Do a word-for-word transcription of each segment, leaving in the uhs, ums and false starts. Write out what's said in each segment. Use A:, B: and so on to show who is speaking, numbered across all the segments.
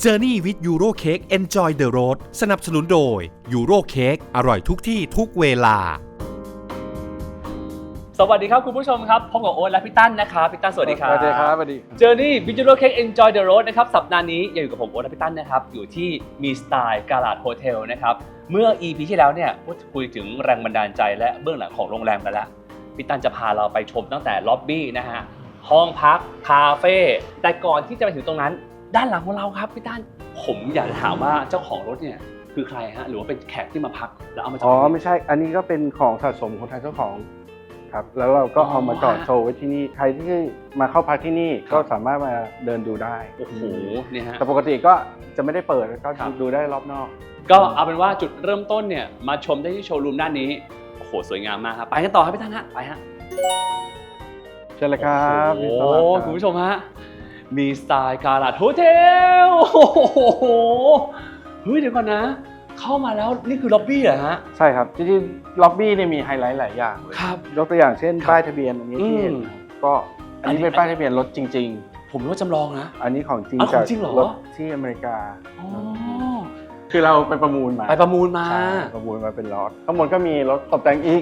A: Journey with Euro Cake Enjoy the Road สนับสนุนโดย Euro Cake อร่อยทุกที่ทุกเวลา
B: สวัสดีครับคุณผู้ชมครับพบกับโอ๊ตและพี่ตั้นนะครับพี่ตั้นสวัสดีครับ
C: สวัสดีครับสวัสดี
B: Journey with Euro Cake Enjoy the Road นะครับสัปดาห์นี้ยังอยู่กับผมโอ๊ตและพี่ตั้นนะครับอยู่ที่มีสไตล์กาลาดโฮเทลนะครับเมื่อ อี พี ที่แล้วเนี่ยพูดคุยถึงแรงบันดาลใจและเบื้องหลังของโรงแรมกันแล้วพี่ตั้นจะพาเราไปชมตั้งแต่ล็อบบี้นะฮะห้องพักคาเฟ่แต่ก่อนที่จะไปถึงตรงนั้นด้านหลังของเราครับพี่ตั้นผมอยากถามว่าเจ้าของรถเนี่ยคือใครฮะหรือว่าเป็นแขกที่มาพักแล้วเอามาจอดอ๋
C: อไม่ใช่อันนี้ก็เป็นของสะสมของทางเจ้าของครับแล้วเราก็เอามาจอดโชว์ไว้ที่นี่ใครที่มาเข้าพักที่นี่ก็สามารถมาเดินดูได้
B: โอ้โหเนี่ยฮะ
C: แต่ปกติก็จะไม่ได้เปิดก็ดูได้รอบนอก
B: ก็เอาเป็นว่าจุดเริ่มต้นเนี่ยมาชมได้ที่โชว์รูมด้านนี้โอ้โหสวยงามมากครับไปกันต่อครับพี่ท่านฮะไปฮะ
C: เชิญเลยครับ
B: โอ้โหคุณผู้ชมฮะมีสไตล์กาลาดโฮเทลโอ้โหเฮ้ยเดี๋ยวก่อนนะเข้ามาแล้วนี่คือล็อบบี้เหรอฮะ
C: ใช่ครับจริงๆล็อบบี้เนี่ยมีไฮไลท์หลายอย่างเลย
B: ครับ
C: ยกตัวอย่างเช่นป้ายทะเบียนอันนี้ที่เห็นก็อันนี้เป็นป้ายทะเบียนรถจริง
B: ๆผมรู้ว่าจำลองนะ
C: อันนี้ของจริง
B: จาก
C: รถที่อเมริกาคือเราไปประมูลมา
B: ไปประมูลมา
C: ประมูลมาเป็นรถทั้งหมดก็มีรถตกแต่งอีก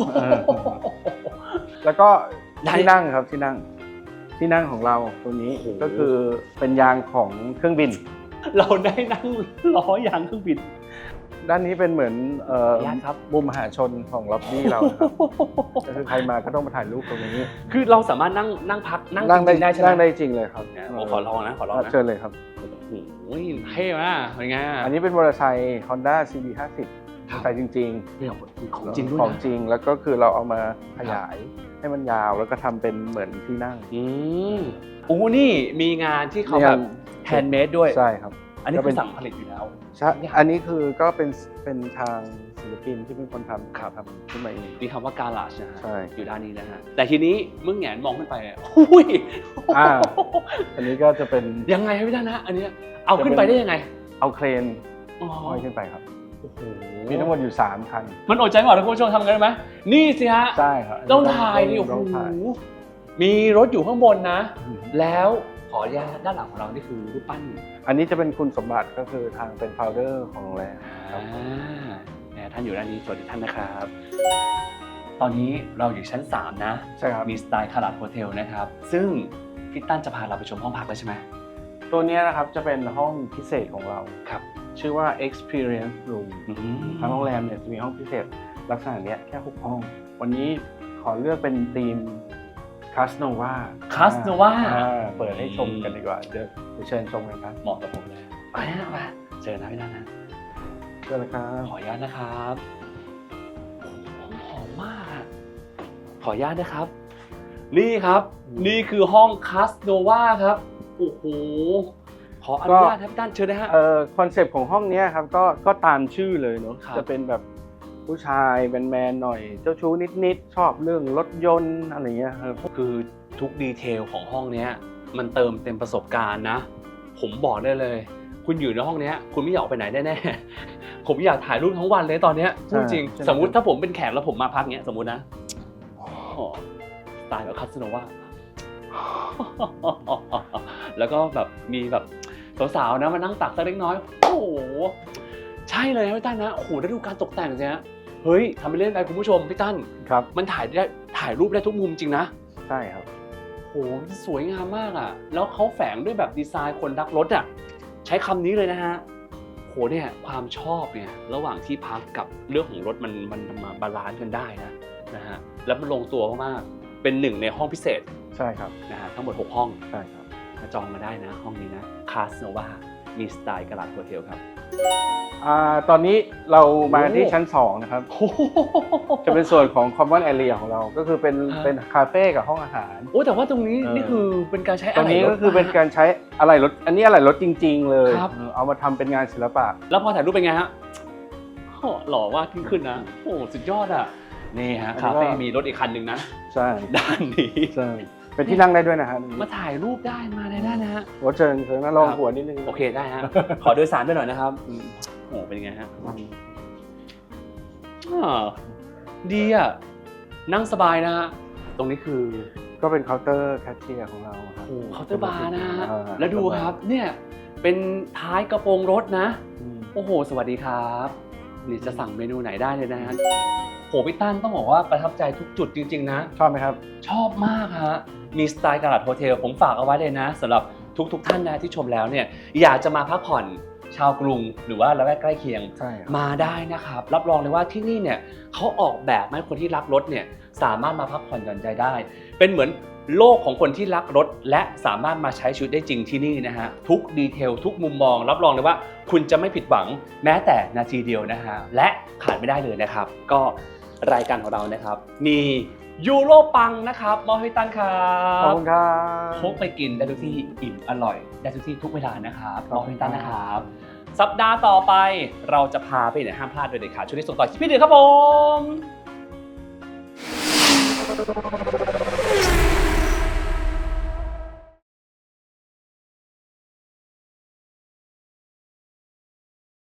C: แล้วก็ที่นั่งครับที่นั่งที่นั่งของเราตัวนี้ก็คือเป็นยางของเครื่องบิน
B: เราได้นั่งล้อยางเครื่องบิน
C: ด้านนี้เป็นเหมือนมุมมหาชนของล็อบบี้เราครับก็คือใครมาก็ต้องมาถ่ายรูปตรงนี้
B: คือเราสามารถนั่งนั่งพักนั่งจริงได้ใช่ไหม
C: นั่งได้จริงเลยครับ
B: โอ้ขอลองนะขอลองนะ
C: เชิญเลยครับ
B: โอ้ยเท่มากเป็นไง
C: อันนี้เป็นมอเตอร์ไซค์ Honda ซี บี ห้าสิบใส่จริง
B: ๆของจริงด้วย
C: ของจริงแล้วก็คือเราเอามาขยายให้มันยาวแล้วก็ทำเป็นเหมือนที่นั่ง
B: อืมโอ้นี่มีงานที่เขาแบบแฮนด์เมดด้วย
C: ใช่ครับ
B: อันนี้เป็นสั่งผลิตอยู่แล้ว
C: ใช่อันนี้คือก็เป็นเป็นทางศิลปินที่เป็นคนทำ
B: ครับ
C: ทำขึ้นมาเอง
B: มีคำว่าการาจนะฮะ
C: ใช่
B: อยู่ด้านนี้นะฮะแต่ทีนี้เมื่อแงนมองขึ้นไปอุ้ย
C: อ่าอันนี้ก็จะเป็น
B: ยังไงครับพี่ท่านนะอันนี้เอาขึ้นไปได้ยังไง
C: เอาเครนห้อยขึ้นไปครับ
B: โอ้โห
C: มีทั้งหมดอยู่สามคัน
B: มันอดใจไม่ไหวคุณผู้ชมทำกันได้ไหมนี่สิฮะ
C: ใช่ครับ
B: ต้องถ่ายนี่โอ้โหมีรถอยู่ข้างบนนะแล้วขออนุญาตด้านหลังของเรานี่คือรูปปั้น
C: อันนี้จะเป็นคุณสมบัติก็คือทางเป็นโฟลเดอร์ของโรงแรม
B: ครับท่านอยู่ด้านนี้สวัสดีท่านนะครับตอนนี้เราอยู่ชั้นสามนะ
C: ใช่ครับ
B: มีสไตล์คาราดโฮเทลนะครับซึ่งพี่ตั้นจะพาเราไปชมห้องพักแล้วใช่ไหม
C: ตัวนี้นะครับจะเป็นห้องพิเศษของเรา
B: ครับ
C: ชื่อว่า experience room ทางโรงแรมเนี่ยจะมีห้องพิเศษลักษณะนี้แค่หกห้องวันนี้ขอเลือกเป็นธีมคาสโนวา
B: คาสโนวา
C: เปิดให้ชมกันดีกว่าเดี๋ยวเชิญชมกันครับ
B: เหมาะกับผมเลยไปนะไปเชิญนะพี่นันนะ
C: เชิญเลยครับ
B: ขออนุญาตนะครับหอมมากขออนุญาตนะครับนี่ครับนี่คือห้องคาสโนวาครับโอ้โหขออนุญาตครับพี่ตั้นเชิญนะฮะ
C: เอ่อคอนเซปต์ของห้องนี้ครับก็ก็ตามชื่อเลยเนาะจะเป็นแบบผู้ชายแมนๆหน่อยเจ้าชู้นิดๆชอบเรื่องรถยนต์อะไรเงี้ยครับ
B: คือทุกดีเทลของห้องนี้มันเติมเต็มประสบการณ์นะผมบอกได้เลยคุณอยู่ในห้องนี้คุณไม่อยากออกไปไหนแน่ๆผมอยากถ่ายรูปทั้งวันเลยตอนนี้จริงสมมุติถ้าผมเป็นแขกแล้วผมมาพักเงี้ยสมมุตินะสไตล์แบบคาสโนวาแล้วก็แบบมีแบบสาวๆนะมานั่งตักสักเล็กน้อยโอ้โหใช่เลยพี่ตั้นนะโอ้โหได้ดูการตกแต่งใช่ไหมเฮ้ยทำไปเล่นอะไรคุณผู้ชมพี่ตั้น
C: ครับ
B: มันถ่ายได้ถ่ายรูปได้ทุกมุมจริงนะ
C: ใช่ครับ
B: โหสวยงามมากอ่ะแล้วเขาแฝงด้วยแบบดีไซน์คนรักรถอ่ะใช้คำนี้เลยนะฮะโหเนี่ยความชอบเนี่ยระหว่างที่พักกับเรื่องของรถมันมันมาบาลานซ์กันได้นะนะฮะแล้วมันลงตัวมากๆเป็นหนึ่งในห้องพิเศษ
C: ใช่ครับ
B: นะฮะทั้งหมดหกห้อง
C: ใช่ครับ
B: มาจองมาได้นะห้องนี้นะคาสโนวามีสไตล์กาลาดโฮเทลครับ
C: อ่าตอนนี้เรามาที่ชั้นสองนะครับจะเป็นส่วนของ common area ของเราก็คือเป็นเป็นคาเฟ่กับห้องอาหาร
B: โอ้แต่ว่าตรงนี้นี่คือเป็นการใช้
C: ตรงนี้ก็คือเป็นการใช้อะไรรถอันนี้อะไรรถจริงๆเลยเอามาทำเป็นงานศิลปะ
B: แล้วพอถ่ายรูปเป็นไงฮะหล่อมากขึ้นขึ้นนะโอ้สุดยอดอ่ะนี่ฮะคาเฟ่มีรถอีกคันหนึ่งนะ
C: ใช่
B: ด้านนี้
C: ใช่เป็นที่นั่งได้ด้วยนะฮะ
B: มาถ่ายรูปได้มาได้นะฮะ
C: หัวเชิญเชิญนะลองหัวนิดนึง
B: โอเคได้ฮะขอโดยสารไปหน่อยนะครับโอ้เป็นไงฮะดีอ่ะนั่งสบายนะฮะตรงนี้คือ
C: ก็เป็นเคาน์เตอร์แคชเชียร์ของเราครับ
B: โอ้เคาน์เตอร์บาร์นะฮะ
C: อ่า
B: แล้วดูครับเนี่ยเป็นท้ายกระโปรงรถนะ
C: อืม
B: โอ้โหสวัสดีครับนี่จะสั่งเมนูไหนได้เลยนะฮะโหพี่ตั้นต้องบอกว่าประทับใจทุกจุดจริงๆนะ
C: ชอบไหมครับ
B: ชอบมากฮะมีสไตล์กาลาดโฮเทลผมฝากเอาไว้เลยนะสำหรับทุกๆท่านนะที่ชมแล้วเนี่ยอยากจะมาพักผ่อนชาวกรุงหรือว่าละแวกใกล้เคียง
C: ใช่ครับ
B: มาได้นะครับรับรองเลยว่าที่นี่เนี่ยเขาออกแบบให้คนที่รักรถเนี่ยสามารถมาพักผ่อนหย่อนใจได้ เป็นเหมือนโลกของคนที่รักรถและสามารถมาใช้ชีวิตได้จริงที่นี่นะฮะทุกดีเทลทุกมุมมองรับรองเลยว่าคุณจะไม่ผิดหวังแม้แต่นาทีเดียวนะฮะและขาดไม่ได้เลยนะครับก็รายการของเรานะครับมียูโรปังนะครับมอให้ตั้งครั
C: ขอบบ คุณครับ
B: พกไปกินได้ทุกที่อิ่มอร่อยได้ทุกที่ทุกเวลานะครับ
C: ข
B: ม
C: อ
B: อบ
C: คุ
B: ให้
C: ณ
B: ตั้ง
C: ครับ
B: นะครับ สัปดาห์ต่อไปเราจะพาไปไหนห้ามพลาดโดยเด็ดขาดช่วงนี้ส่งต่อที่พี่เดือครับผม